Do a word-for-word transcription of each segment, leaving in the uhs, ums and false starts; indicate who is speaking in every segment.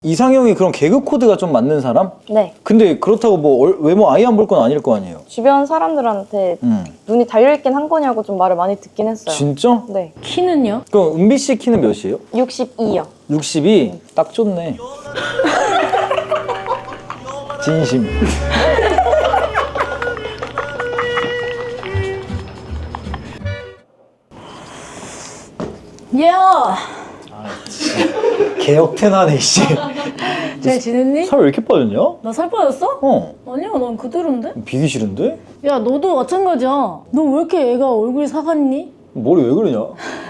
Speaker 1: 이상형이 그런 개그 코드가 좀 맞는 사람?
Speaker 2: 네.
Speaker 1: 근데 그렇다고 뭐 얼- 외모 아예 안 볼 건 아닐 거 아니에요?
Speaker 2: 주변 사람들한테
Speaker 1: 음.
Speaker 2: 눈이 달려있긴 한 거냐고 좀 말을 많이 듣긴 했어요.
Speaker 1: 진짜?
Speaker 2: 네.
Speaker 3: 키는요?
Speaker 1: 그럼 은비 씨 키는 몇이에요?
Speaker 2: 육십이요.
Speaker 1: 육십이? 딱 좋네. 진심.
Speaker 3: 야!
Speaker 1: 개역태나네 씨.
Speaker 3: 잘 지냈니?
Speaker 1: 살 왜 이렇게 빠졌냐?
Speaker 3: 나 살 빠졌어?
Speaker 1: 어.
Speaker 3: 아니야, 넌 그대로인데?
Speaker 1: 비기 싫은데?
Speaker 3: 야, 너도 마찬가지야. 너 왜 이렇게 애가 얼굴이 사갔니?
Speaker 1: 머리 왜 그러냐?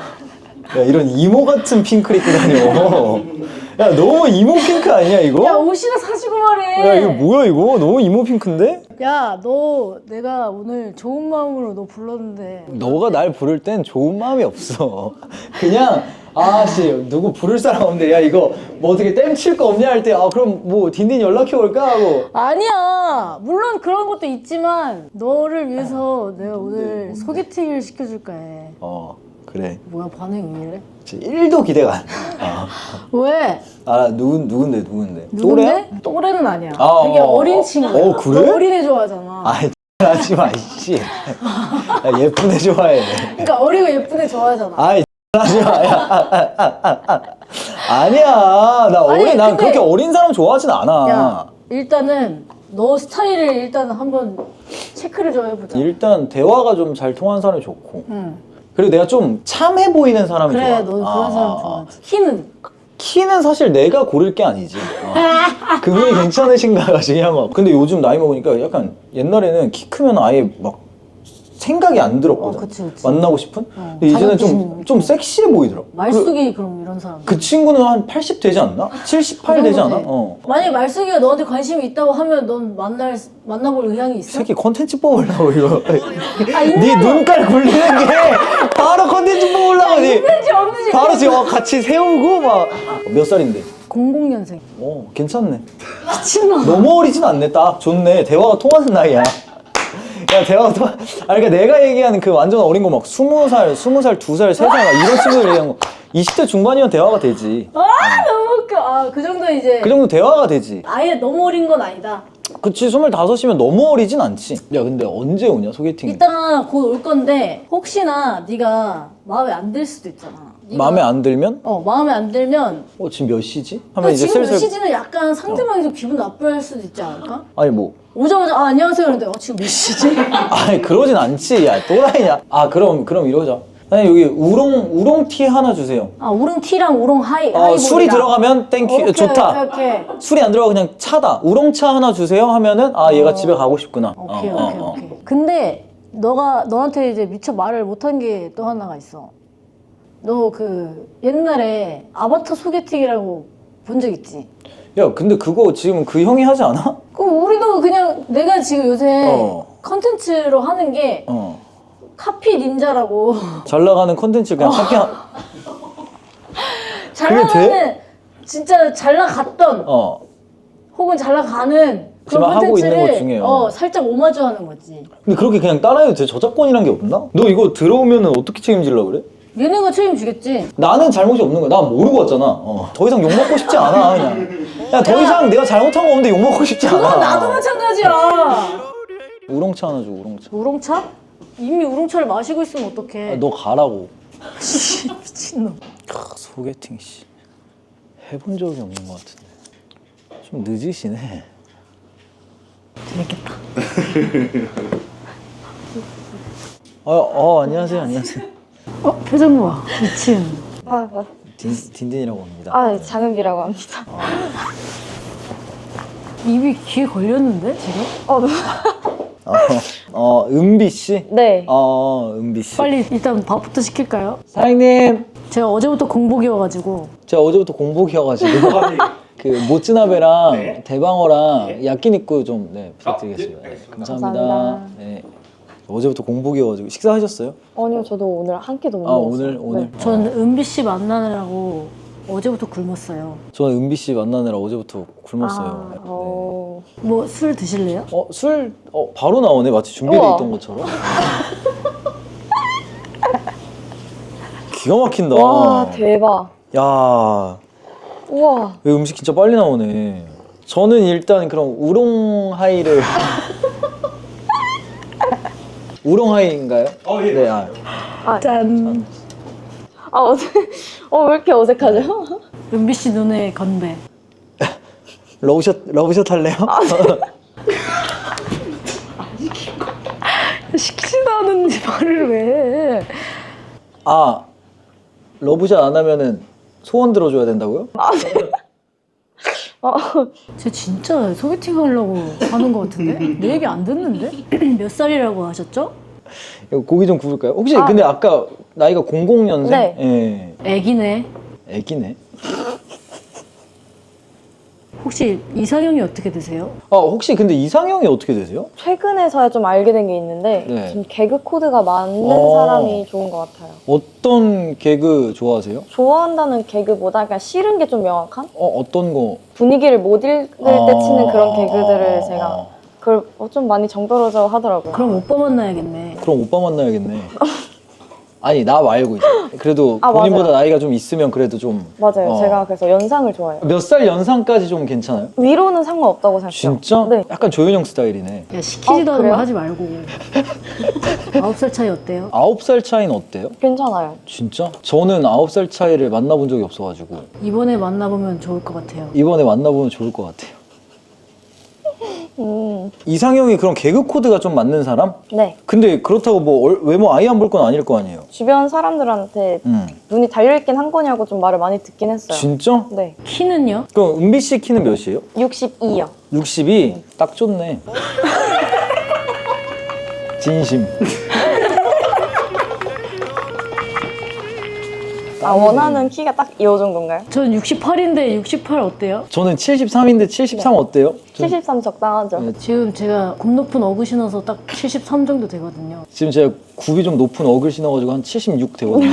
Speaker 1: 야 이런 이모 같은 핑크를 입고 다녀. 야 너무 이모 핑크 아니야 이거?
Speaker 3: 야, 옷이나 사주고 말해.
Speaker 1: 야 이거 뭐야 이거? 너무 이모 핑크인데?
Speaker 3: 야, 너 내가 오늘 좋은 마음으로 너 불렀는데
Speaker 1: 너가 날 부를 땐 좋은 마음이 없어. 그냥 아씨 누구 부를 사람 없는데 야 이거 뭐 어떻게 땜칠 거 없냐 할 때 아 그럼 뭐 딘딘 연락해 올까 하고.
Speaker 3: 아니야. 물론 그런 것도 있지만 너를 위해서 내가 오늘 소개팅을 시켜줄까 해.
Speaker 1: 어 그래.
Speaker 3: 뭐야, 반응이 왜 이래?
Speaker 1: 진짜 일도 기대가 안 돼. 아,
Speaker 3: 왜?
Speaker 1: 아 누구 누군데 누군데?
Speaker 3: 누군데?
Speaker 1: 또래야?
Speaker 3: 또래는 아니야.
Speaker 1: 아,
Speaker 3: 되게
Speaker 1: 어,
Speaker 3: 어린
Speaker 1: 어,
Speaker 3: 친구야.
Speaker 1: 어, 그래?
Speaker 3: 너 어린애 좋아하잖아.
Speaker 1: 아이 하지 마 이씨. 야, 예쁜 애 좋아해.
Speaker 3: 그러니까 어리고 예쁜 애 좋아하잖아.
Speaker 1: 아이 하지 마. 야. 아니야 나
Speaker 3: 아니,
Speaker 1: 어린 난
Speaker 3: 근데-
Speaker 1: 그렇게 어린 사람 좋아하진 않아.
Speaker 3: 야, 일단은 너 스타일을 일단 한번 체크를 좀 해보자.
Speaker 1: 일단 대화가 좀 잘 통하는 사람이 좋고.
Speaker 3: 응.
Speaker 1: 그리고 내가 좀 참해 보이는 사람이
Speaker 3: 그래,
Speaker 1: 좋아.
Speaker 3: 너 그런
Speaker 1: 아,
Speaker 3: 사람
Speaker 1: 아, 아.
Speaker 3: 좋아하지. 키는?
Speaker 1: 키는 사실 내가 고를 게 아니지. 어. 그분이 괜찮으신가가 중요한 거. 근데 요즘 나이 먹으니까 약간 옛날에는 키 크면 아예 막 생각이 안 들었거든.
Speaker 3: 어, 그치, 그치.
Speaker 1: 만나고 싶은?
Speaker 3: 어,
Speaker 1: 근데 이제는 좀,
Speaker 3: 자격지심
Speaker 1: 좀 섹시해 보이더라. 그,
Speaker 3: 말숙이 그럼 이런 사람.
Speaker 1: 그 친구는 한 팔십 되지 않나? 칠십팔
Speaker 3: 그
Speaker 1: 되지 않아?
Speaker 3: 정도지.
Speaker 1: 어.
Speaker 3: 만약에 말숙이가 너한테 관심이 있다고 하면 넌 만날 만나볼 의향이 있어?
Speaker 1: 새끼 컨텐츠 뽑으려고 이거.
Speaker 3: 아, 있는
Speaker 1: 네 눈깔 굴리는 게 바로 컨텐츠 뽑으려고 니.
Speaker 3: 있는지 없는지.
Speaker 1: 바로 지금 어, 같이 세우고 막 몇 살인데?
Speaker 3: 공공년생.
Speaker 1: 어 괜찮네.
Speaker 3: 미친놈.
Speaker 1: 너무 어리진 않네. 딱 좋네. 대화가 통하는 나이야. 야 대화가 통하. 아 그러니까 내가 얘기하는 그 완전 어린 거 막 스무 살, 스무 살, 두 살, 세 살 막 이런 친구들 얘기하는 거 이십 대 중반이면 대화가 되지.
Speaker 3: 아, 너무 웃겨. 아, 그 정도 이제.
Speaker 1: 그 정도 대화가 되지.
Speaker 3: 아예 너무 어린 건 아니다.
Speaker 1: 그치 스물다섯이면 너무 어리진 않지. 야 근데 언제 오냐 소개팅?
Speaker 3: 이따가 곧 올 건데 혹시나 네가 마음에 안 들 수도 있잖아. 네가-
Speaker 1: 마음에 안 들면?
Speaker 3: 어, 마음에 안 들면
Speaker 1: 어 지금 몇 시지? 하면
Speaker 3: 근데
Speaker 1: 이제
Speaker 3: 지금 몇
Speaker 1: 슬슬
Speaker 3: 시지는 약간 상대방이 좀 기분 나빠할 수도 있지 않을까?
Speaker 1: 아니 뭐
Speaker 3: 오자마자 아 안녕하세요 그런데 어 지금 몇 시지?
Speaker 1: 아니 그러진 않지. 야 또라이냐? 아 그럼 그럼 이러자. 아니 여기 우롱 우롱티 하나 주세요.
Speaker 3: 아 우롱티랑 우롱 하이
Speaker 1: 어
Speaker 3: 하이볼이랑.
Speaker 1: 술이 들어가면 땡큐
Speaker 3: 오케이,
Speaker 1: 좋다.
Speaker 3: 오케이 오케이
Speaker 1: 술이 안 들어가 그냥 차다. 우롱차 하나 주세요 하면은 아 얘가 집에 가고 싶구나.
Speaker 3: 오케이
Speaker 1: 어,
Speaker 3: 오케이
Speaker 1: 어, 어.
Speaker 3: 오케이. 근데 너가 너한테 이제 미처 말을 못한 게 또 하나가 있어. 너 그 옛날에 아바타 소개팅이라고 본 적 있지?
Speaker 1: 야 근데 그거 지금 그 형이 하지 않아?
Speaker 3: 그 우리도 그냥 내가 지금 요새
Speaker 1: 어.
Speaker 3: 컨텐츠로 하는 게
Speaker 1: 어.
Speaker 3: 카피 닌자라고
Speaker 1: 잘 나가는 컨텐츠 그냥 카피 한.
Speaker 3: 잘
Speaker 1: 그게
Speaker 3: 나가는 진짜 잘 나갔던
Speaker 1: 어.
Speaker 3: 혹은 잘 나가는
Speaker 1: 지금
Speaker 3: 그런
Speaker 1: 하고 있는 것
Speaker 3: 컨텐츠를
Speaker 1: 중에, 어.
Speaker 3: 어, 살짝 오마주하는 거지.
Speaker 1: 근데 그렇게 그냥 따라해도 돼? 저작권이란 게 없나? 너 이거 들어오면은 어떻게 책임질라 그래?
Speaker 3: 얘네가 책임지겠지.
Speaker 1: 나는 잘못이 없는 거야. 난 모르고 왔잖아. 어. 더 이상 욕 먹고 싶지 않아 그냥. 야 더 이상 내가 잘못한 거 없는데 욕 먹고 싶지 않아.
Speaker 3: 그건 나도 마찬가지야.
Speaker 1: 우롱차 하나 줘 우롱차.
Speaker 3: 우롱차? 이미 우롱차를 마시고 있으면 어떡해.
Speaker 1: 아, 너 가라고.
Speaker 3: 미친놈.
Speaker 1: 크, 소개팅 씨 해본 적이 없는 것 같은데 좀 늦으시네.
Speaker 3: 재밌겠다.
Speaker 1: 어, 어 안녕하세요 안녕하세요.
Speaker 3: 어 표정 봐. 미친.
Speaker 2: 아, 아,
Speaker 1: 딘, 딘딘이라고 합니다.
Speaker 2: 아 장은비라고 합니다.
Speaker 3: 입이 귀에 걸렸는데 지금?
Speaker 2: 어, 너무-
Speaker 1: 어, 어 은비 씨?
Speaker 2: 네.
Speaker 1: 어 은비 씨.
Speaker 3: 빨리 일단 밥부터 시킬까요?
Speaker 1: 사장님
Speaker 3: 제가 어제부터 공복이어가지고
Speaker 1: 제가 어제부터 공복이어가지고 그 모츠나베랑 대방어랑 야끼니쿠 좀 네, 부탁드리겠습니다. 네, 감사합니다.
Speaker 2: 감사합니다.
Speaker 1: 네. 어제부터 공복이어가지고 식사하셨어요?
Speaker 2: 아니요, 저도 오늘 한 끼도 못
Speaker 1: 아
Speaker 2: 먹었어요.
Speaker 1: 오늘 오늘.
Speaker 2: 네.
Speaker 3: 전 은비 씨 만나느라고 어제부터 굶었어요.
Speaker 1: 저는 은비 씨 만나느라 어제부터 굶었어요.
Speaker 2: 아,
Speaker 1: 네.
Speaker 2: 어...
Speaker 3: 뭐 술 드실래요?
Speaker 1: 어, 술 어, 바로 나오네. 마치 준비돼
Speaker 2: 우와.
Speaker 1: 있던 것처럼. 기가 막힌다.
Speaker 2: 와, 대박.
Speaker 1: 야,
Speaker 2: 우와.
Speaker 1: 왜 음식 진짜 빨리 나오네. 저는 일단 그럼 우롱하이를 우롱하이인가요?
Speaker 4: 어, 예.
Speaker 1: 네. 아.
Speaker 2: 아,
Speaker 3: 짠.
Speaker 2: 아 어색. 어, 왜 이렇게 어색하죠?
Speaker 3: 은비 씨 눈에 건배.
Speaker 1: 러브샷 러브샷 할래요?
Speaker 3: 시키지도 않은 말을 왜 해?
Speaker 1: 아, 러브샷 안 하면은 소원 들어줘야 된다고요?
Speaker 2: 어,
Speaker 3: 쟤 진짜 소개팅 하려고 하는 것 같은데? 내 얘기 안 듣는데? 몇 살이라고 하셨죠?
Speaker 1: 이거 고기 좀 구울까요? 혹시
Speaker 2: 아.
Speaker 1: 근데 아까 나이가 공공년생?
Speaker 2: 네.
Speaker 1: 예.
Speaker 3: 애기네.
Speaker 1: 애기네.
Speaker 3: 혹시 이상형이 어떻게 되세요?
Speaker 1: 아, 혹시 근데 이상형이 어떻게 되세요?
Speaker 2: 최근에서야 좀 알게 된 게 있는데
Speaker 1: 네.
Speaker 2: 좀 개그 코드가 맞는
Speaker 1: 어.
Speaker 2: 사람이 좋은 것 같아요.
Speaker 1: 어떤 개그 좋아하세요?
Speaker 2: 좋아한다는 개그보다 그냥 싫은 게 좀 명확한?
Speaker 1: 어, 어떤 거?
Speaker 2: 분위기를 못 읽을 때 치는 그런
Speaker 1: 아.
Speaker 2: 개그들을 제가 그걸 어, 좀 많이 정떨어져 하더라고요.
Speaker 3: 그럼 오빠 만나야겠네.
Speaker 1: 그럼 오빠 만나야겠네. 아니, 나 말고 이제. 그래도
Speaker 2: 아,
Speaker 1: 본인보다
Speaker 2: 맞아요.
Speaker 1: 나이가 좀 있으면 그래도 좀.
Speaker 2: 맞아요.
Speaker 1: 어.
Speaker 2: 제가 그래서 연상을 좋아해요.
Speaker 1: 몇 살 연상까지 좀 괜찮아요?
Speaker 2: 위로는 상관없다고 생각해요.
Speaker 1: 진짜?
Speaker 2: 네.
Speaker 1: 약간 조윤영 스타일이네.
Speaker 3: 야, 시키지도
Speaker 2: 어,
Speaker 3: 않은
Speaker 2: 그래요?
Speaker 3: 거 하지 말고. 아홉 살 차이 어때요?
Speaker 1: 아홉 살 차이는 어때요?
Speaker 2: 괜찮아요.
Speaker 1: 진짜? 저는 아홉 살 차이를 만나본 적이 없어가지고
Speaker 3: 이번에 만나보면 좋을 것 같아요.
Speaker 1: 이번에 만나보면 좋을 것 같아요.
Speaker 2: 음,
Speaker 1: 이상형이 그런 개그 코드가 좀 맞는 사람?
Speaker 2: 네.
Speaker 1: 근데 그렇다고 뭐 얼- 외모 아예 안 볼 건 아닐 거 아니에요?
Speaker 2: 주변 사람들한테
Speaker 1: 음.
Speaker 2: 눈이 달려있긴 한 거냐고 좀 말을 많이 듣긴 했어요.
Speaker 1: 진짜?
Speaker 2: 네.
Speaker 3: 키는요?
Speaker 1: 그럼 은비 씨 키는 몇이에요?
Speaker 2: 육십이요.
Speaker 1: 육십이? 딱 좋네. 진심.
Speaker 2: 아, 원하는 키가 딱 이 정도인가요?
Speaker 3: 전 육십팔인데 육십팔 어때요?
Speaker 1: 저는 칠십삼인데 칠십삼 어때요? 전-
Speaker 2: 칠십삼 적당하죠?
Speaker 1: 네.
Speaker 3: 지금 제가 굽 높은 어그 신어서 딱 칠십삼 정도 되거든요.
Speaker 1: 지금 제가 굽이 좀 높은 어글 신어가지고 한 칠십육 되거든요.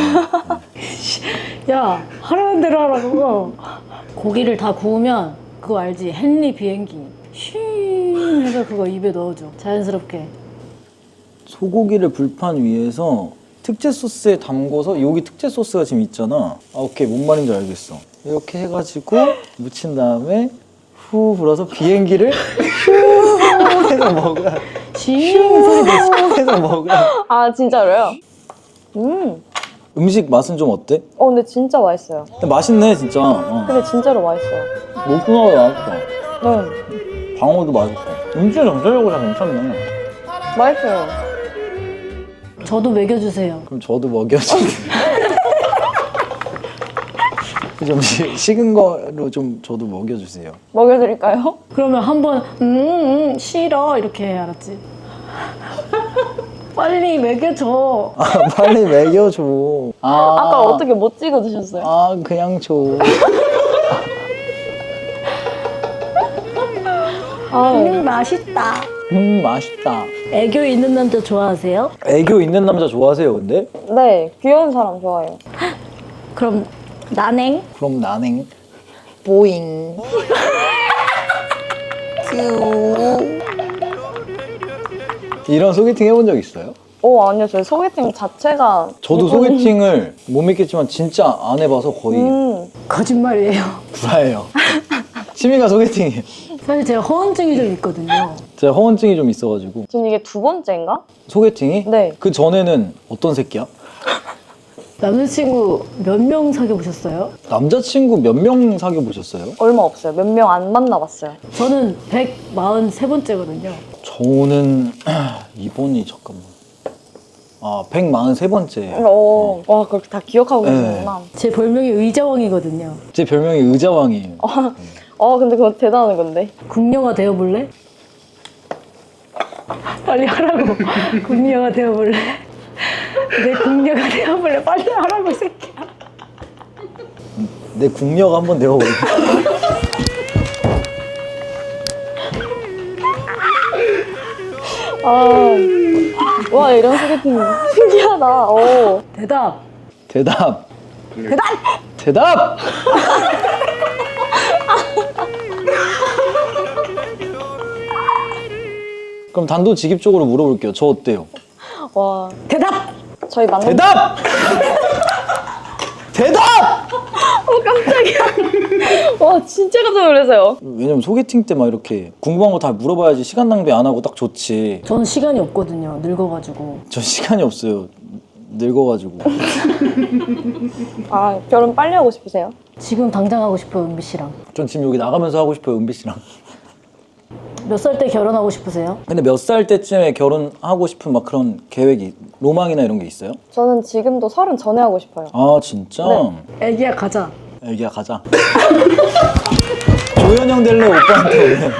Speaker 3: 야, 하라는 대로 하라고. 고기를 다 구우면 그거 알지? 헨리 비행기. 쉥 해서 그거 입에 넣어줘. 자연스럽게.
Speaker 1: 소고기를 불판 위에서 특제 소스에 담궈서 여기 특제 소스가 지금 있잖아. 아, 오케이, 뭔 말인지 알겠어. 이렇게 해가지고 묻힌 다음에 후 불어서 비행기를 후 해서 먹으라.
Speaker 3: 싱 소리 내지.
Speaker 1: 후 해서 먹으라.
Speaker 2: 아, 진짜로요? 음.
Speaker 1: 음식 맛은 좀 어때?
Speaker 2: 어, 근데 진짜 맛있어요.
Speaker 1: 근데 맛있네, 진짜. 어.
Speaker 2: 근데 진짜로 맛있어요.
Speaker 1: 목구멍도 맛있다.
Speaker 2: 네.
Speaker 1: 방어도 맛있고. 음식 전체적으로 다 괜찮네.
Speaker 2: 맛있어요.
Speaker 3: 저도 먹여주세요.
Speaker 1: 그럼 저도 먹여주세요. 좀 시- 식은 거로 좀 저도 먹여주세요.
Speaker 2: 먹여드릴까요?
Speaker 3: 그러면 한번 음, 음 싫어 이렇게 해, 알았지? 빨리 먹여줘.
Speaker 1: 아, 빨리 먹여줘. 아,
Speaker 2: 아까 어떻게 못 찍어 드셨어요?
Speaker 1: 아, 그냥 줘.
Speaker 2: 아,
Speaker 3: 음, 맛있다.
Speaker 1: 음, 맛있다.
Speaker 3: 애교 있는 남자 좋아하세요?
Speaker 1: 애교 있는 남자 좋아하세요, 근데?
Speaker 2: 네. 귀여운 사람 좋아해요.
Speaker 3: 그럼 난행?
Speaker 1: 그럼 나는
Speaker 2: 보잉.
Speaker 1: 이런 소개팅 해본 적 있어요?
Speaker 2: 오, 아니요. 저희 소개팅 자체가.
Speaker 1: 저도
Speaker 2: 이거는-
Speaker 1: 소개팅을 못 믿겠지만 진짜 안 해봐서 거의
Speaker 2: 음.
Speaker 3: 거짓말이에요.
Speaker 1: 구라예요. 취미가 소개팅이에요.
Speaker 3: 사실 제가 허언증이 좀 있거든요.
Speaker 1: 제가 허언증이 좀 있어가지고.
Speaker 2: 지금 이게 두 번째인가?
Speaker 1: 소개팅이?
Speaker 2: 네.
Speaker 1: 그 전에는 어떤 새끼야?
Speaker 3: 남자친구 몇 명 사귀어 보셨어요?
Speaker 1: 남자친구 몇 명 사귀어 보셨어요?
Speaker 2: 얼마 없어요. 몇 명 안 만나봤어요.
Speaker 3: 저는 백사십삼 번째거든요.
Speaker 1: 저는 이번이 잠깐만. 아, 백사십삼 번째.
Speaker 2: 어, 와, 그렇게 다 기억하고
Speaker 1: 네.
Speaker 2: 계시구나.
Speaker 3: 제 별명이 의자왕이거든요.
Speaker 1: 제 별명이 의자왕이에요.
Speaker 2: 어, 근데 그거 대단한 건데.
Speaker 3: 궁녀가 되어볼래? 빨리 하라고. 궁녀가 되어볼래? 내 궁녀가 되어볼래? 빨리 하라고, 이 새끼야.
Speaker 1: 내 국력 한번 내어볼래?
Speaker 2: 아, 와, 이런 소개팅 신기하다. 오.
Speaker 3: 대답.
Speaker 1: 대답.
Speaker 3: 대답!
Speaker 1: 대답! 그럼 단도직입적으로 물어볼게요. 저 어때요?
Speaker 2: 와.
Speaker 3: 대답!
Speaker 2: 저희 만난
Speaker 1: 대답! 대답!
Speaker 2: 어 깜짝이야. 와 진짜 깜짝 놀라서요.
Speaker 1: 왜냐면 소개팅 때 막 이렇게 궁금한 거 다 물어봐야지 시간 낭비 안 하고 딱 좋지.
Speaker 3: 저는 시간이 없거든요. 늙어가지고.
Speaker 1: 저 시간이 없어요. 늙어가지고.
Speaker 2: 아 결혼 빨리 하고 싶으세요?
Speaker 3: 지금 당장 하고 싶어요, 은비 씨랑.
Speaker 1: 전 지금 여기 나가면서 하고 싶어요, 은비 씨랑.
Speaker 3: 몇 살 때 결혼하고 싶으세요?
Speaker 1: 근데 몇 살 때쯤에 결혼하고 싶은 막 그런 계획이, 로망이나 이런 게 있어요?
Speaker 2: 저는 지금도 서른 전에 하고 싶어요.
Speaker 1: 아 진짜?
Speaker 2: 네.
Speaker 3: 애기야 가자.
Speaker 1: 애기야 가자. 조현영 될래 오빠한테.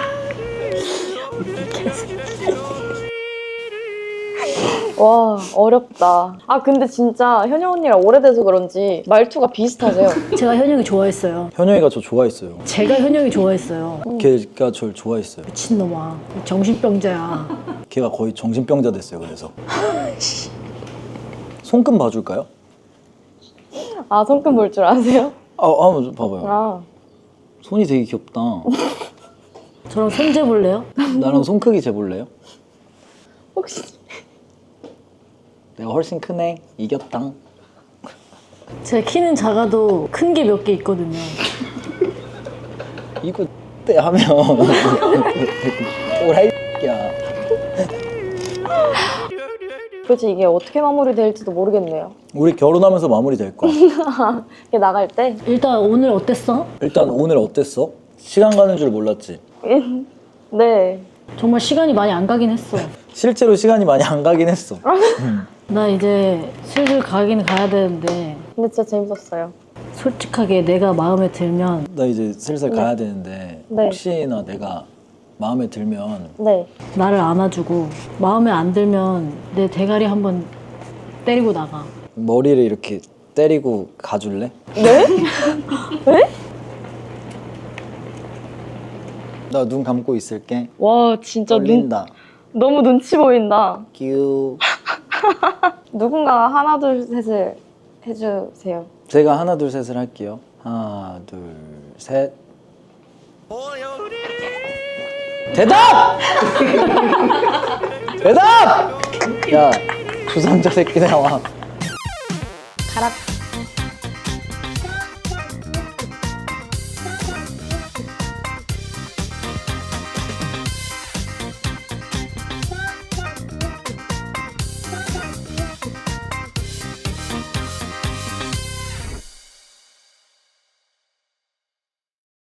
Speaker 2: 와 어렵다. 아 근데 진짜 현영 언니랑 오래돼서 그런지 말투가 비슷하세요.
Speaker 3: 제가 현영이 좋아했어요.
Speaker 1: 현영이가 저 좋아했어요.
Speaker 3: 제가 현영이 좋아했어요.
Speaker 1: 걔가 저를 좋아했어요.
Speaker 3: 미친놈아. 정신병자야.
Speaker 1: 걔가 거의 정신병자 됐어요. 그래서. 손금 봐줄까요?
Speaker 2: 아 손금 볼 줄 아세요?
Speaker 1: 아, 한번 봐봐요.
Speaker 2: 아
Speaker 1: 손이 되게 귀엽다.
Speaker 3: 저랑 손 재볼래요?
Speaker 1: 나랑 손 크기 재볼래요?
Speaker 2: 혹시
Speaker 1: 내가 훨씬 크네. 이겼당.
Speaker 3: 제 키는 작아도 큰 게 몇 개 있거든요.
Speaker 1: 이거 때 하면 오라이야.
Speaker 2: 도대체 이게 어떻게 마무리될지도 모르겠네요.
Speaker 1: 우리 결혼하면서 마무리 될 거야.
Speaker 2: 이게 나갈 때
Speaker 3: 일단 오늘 어땠어?
Speaker 1: 일단 오늘 어땠어? 시간 가는 줄 몰랐지?
Speaker 2: 네.
Speaker 3: 정말 시간이 많이 안 가긴 했어.
Speaker 1: 실제로 시간이 많이 안 가긴 했어.
Speaker 3: 나 이제 슬슬 가긴 가야 되는데
Speaker 2: 근데 진짜 재밌었어요.
Speaker 3: 솔직하게 내가 마음에 들면
Speaker 1: 나 이제 슬슬
Speaker 2: 네.
Speaker 1: 가야 되는데
Speaker 2: 네.
Speaker 1: 혹시나 내가 마음에 들면
Speaker 2: 네.
Speaker 3: 나를 안아주고 마음에 안 들면 내 대가리 한번 때리고 나가.
Speaker 1: 머리를 이렇게 때리고 가줄래?
Speaker 2: 네? 네?
Speaker 1: 나 눈 감고 있을게.
Speaker 2: 와 진짜 눈,
Speaker 1: 떨린다.
Speaker 2: 너무 눈치 보인다.
Speaker 1: 끼우.
Speaker 2: 누군가가 하나 둘 셋을 해주세요.
Speaker 1: 제가 하나 둘 셋을 할게요. 하나 둘 셋. 대답! 대답! 야 주선자 새끼 나와.
Speaker 2: 가라.